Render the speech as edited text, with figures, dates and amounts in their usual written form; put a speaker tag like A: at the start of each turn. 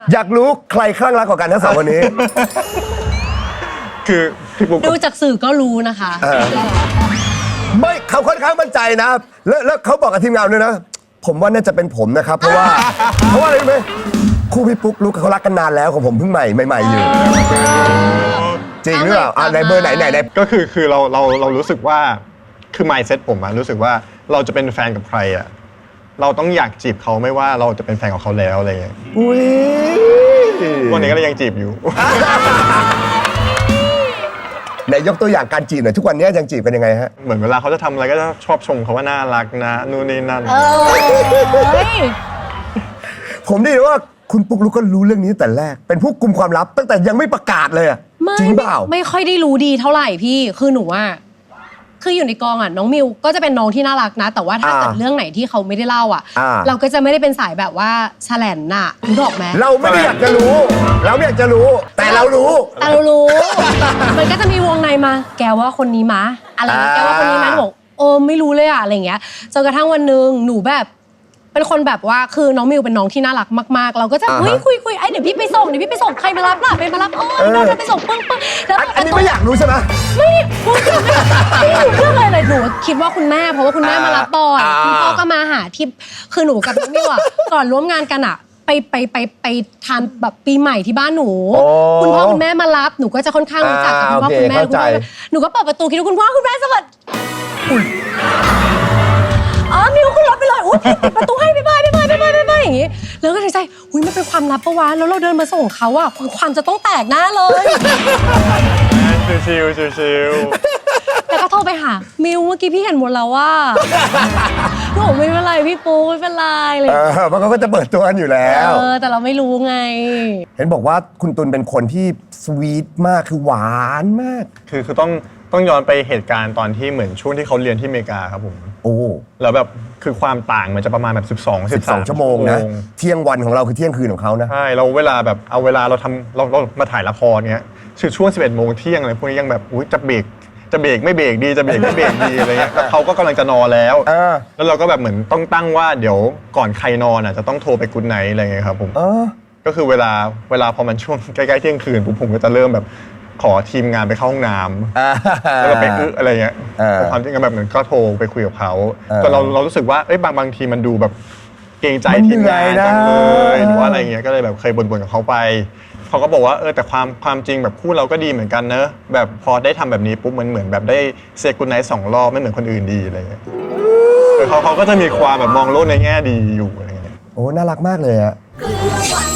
A: อยากรู้ใครคลั่งรักกว่ากันทั้งสองคนนี้
B: คือพี่ปุ๊ก
C: ดูจากสื่อก็รู้นะคะ
A: ไม่เขาค่อนข้างมั่นใจนะแล้วเขาบอกกับทีมงานด้วยนะ ผมว่าน่าจะเป็นผมนะครับ เพราะว่าอะไรรู้ไหมคู่พี่ปุ๊กลุกเขารักกันนานแล้วของผมเพิ่งใหม่อยู่จริงหรือเปล่าในเบอร์ไหน
B: ก็คือเรารู้สึกว่าคือ mindset ผมอะรู้สึกว่าเราจะเป็นแฟนกับใครอะเราต้องอยากจีบเขาไม่ว่าเราจะเป็นแฟนของเขาแล้วอะไรอย่างเงี้ย
A: อุ้ย
B: วันนี้ก็เลยยังจีบอยู่
A: ไหนยกตัวอย่างการจีบหน่อยทุกวันนี้ยังจีบกันยังไงฮะ
B: เหมือนเวลาเขาจะทำอะไรก็จะชอบชมเขาว่าน่ารักนะนู่นนี่นั่น
C: เฮ้ย
A: ผมได้ยินว่าคุณปุ๊กลุกก็รู้เรื่องนี้ตั้งแต่แรกเป็นผู้กุมความลับตั้งแต่ยังไม่ประกาศเลยอะจริงเปล่า
C: ไม่ค่อยได้รู้ดีเท่าไหร่พี่คือหนูว่าคืออยู่ในกองอ่ะน้องมิวก็จะเป็นน้องที่น่ารักนะ แต่ว่าถ้าเกิดเรื่องไหนที่เขาไม่ได้เล่าอ่ะ เราก็จะไม่ได้เป็นสายแบบว่าแฉลนน่ะรู้ดอกไหม
A: เราไม่ได้อยากจะรู้ เราไม่อยากจะรู้ แต่เรารู้
C: แต่เรารู้ มันก็จะมีวงในมาแกว่าคนนี้มะอะไรอย่างเงี้ยแกว่าคนนี้มะหนูบอกโอ้ไม่รู้เลยอะอะไรอย่างเงี้ยจนกระทั่งวันหนึ่งหนูแบบเป็นคนแบบว่าคือน้องมิวเป็นน้องที่น่ารักมากๆ เราก็จะคุยไอ้เดี๋ยวพี่ไปส่งใครมารับล่ะไปมารับเราจะไปส่งปึ้งแล้ว
A: อันนี้ไม่อยากรู้ใช่ไหม
C: ไม่พูดถึงไม่รู้เรื่องอะไรเลยหนูคิดว่าคุณแม่เพราะว่าคุณแม่มารับบ่อยคุณพ่อก็มาหาที่คือหนูกับน้องมิวอะก่อนร่วมงานกันอะไปทานแบบปีใหม่ที่บ้านหนูคุณพ่อคุณแม่มารับหนูก็จะค่อนข้างรู้จักกับคุณพ่อคุณแม่หนูก็เปิดประตูคิดว่าคุณพ่อคุณแม่สวัสดีมิวขึ้นรถไปเลยอุ้ยปิดประตูให้บ๊ายบายอย่างงี้แล้วก็ในใจอุ้ยมันเป็นความลับปะวะแล้วเราเดินมาส่งเขาอะความจะต้องแตกหน้าเลย
B: ชิว
C: แล้วก็โทรไปหามิวเมื่อกี้พี่เห็นหมดแล้วว่าหนูไม่เป็นไรพี่ปูไม่เป็นไรเลย
A: เพราะเขาก็จะเปิดตัวกันอยู่แล้ว
C: แต่เราไม่รู้ไง
A: เห็นบอกว่าคุณตุลเป็นคนที่สวีทมากคือหวานมาก
B: คือต้องย้อนไปเหตุการณ์ตอนที่เหมือนช่วงที่เขาเรียนที่อเมริกาครับผม
A: โอ้
B: แล้วแบบคือความต่างมันจะประมาณแบบ12
A: ชั่วโมงนะเที่ยงวันของเราคือเที่ยงคืนของเขานะ
B: ใช่เราเวลาแบบเอาเวลาเรามาถ่ายละครเนี้ยคือช่วง11 โมงเที่ยงอะไรพวกนี้ยังแบบอุ้ยจะเบรกไม่เบรกดีจะเบรกไม่เบรกดีอะไรเงี้ยแล้วเขาก็กำลังจะนอนแล้วแล้วเราก็แบบเหมือนต้องตั้งว่าเดี๋ยวก่อนใครนอนอ่ะจะต้องโทรไปกุ๊ดไนท์อะไรเงี้ยครับผมก็คือเวลาพอมันช่วงใกล้ๆเที่ยงคืนผมก็จะเริ่มแบบขอทีมงานไปเข้าห้องน้ำแล้วก็ไปอะไรเงี้ยความจริงก็แบบเหมือนก็โทรไปคุยกับเขาแต่เรารู้สึกว่าบางทีมันดูแบบเกรงใจทีมงานจังเลยหรือว่าอะไรเงี้ยก็เลยแบบเคยบ่นกับเขาไปเขาก็บอกว่าแต่ความจริงแบบคู่เราก็ดีเหมือนกันเนอะแบบพอได้ทำแบบนี้ปุ๊บมันเหมือนแบบได้เซกุนไนท์2 รอบไม่เหมือนคนอื่นดีอะไรเงี้ยเขาก็จะมีความแบบมองโลกในแง่ดีอยู่อะไรเงี้ย
A: โอ้น่ารักมากเลยอะ
D: คือวัน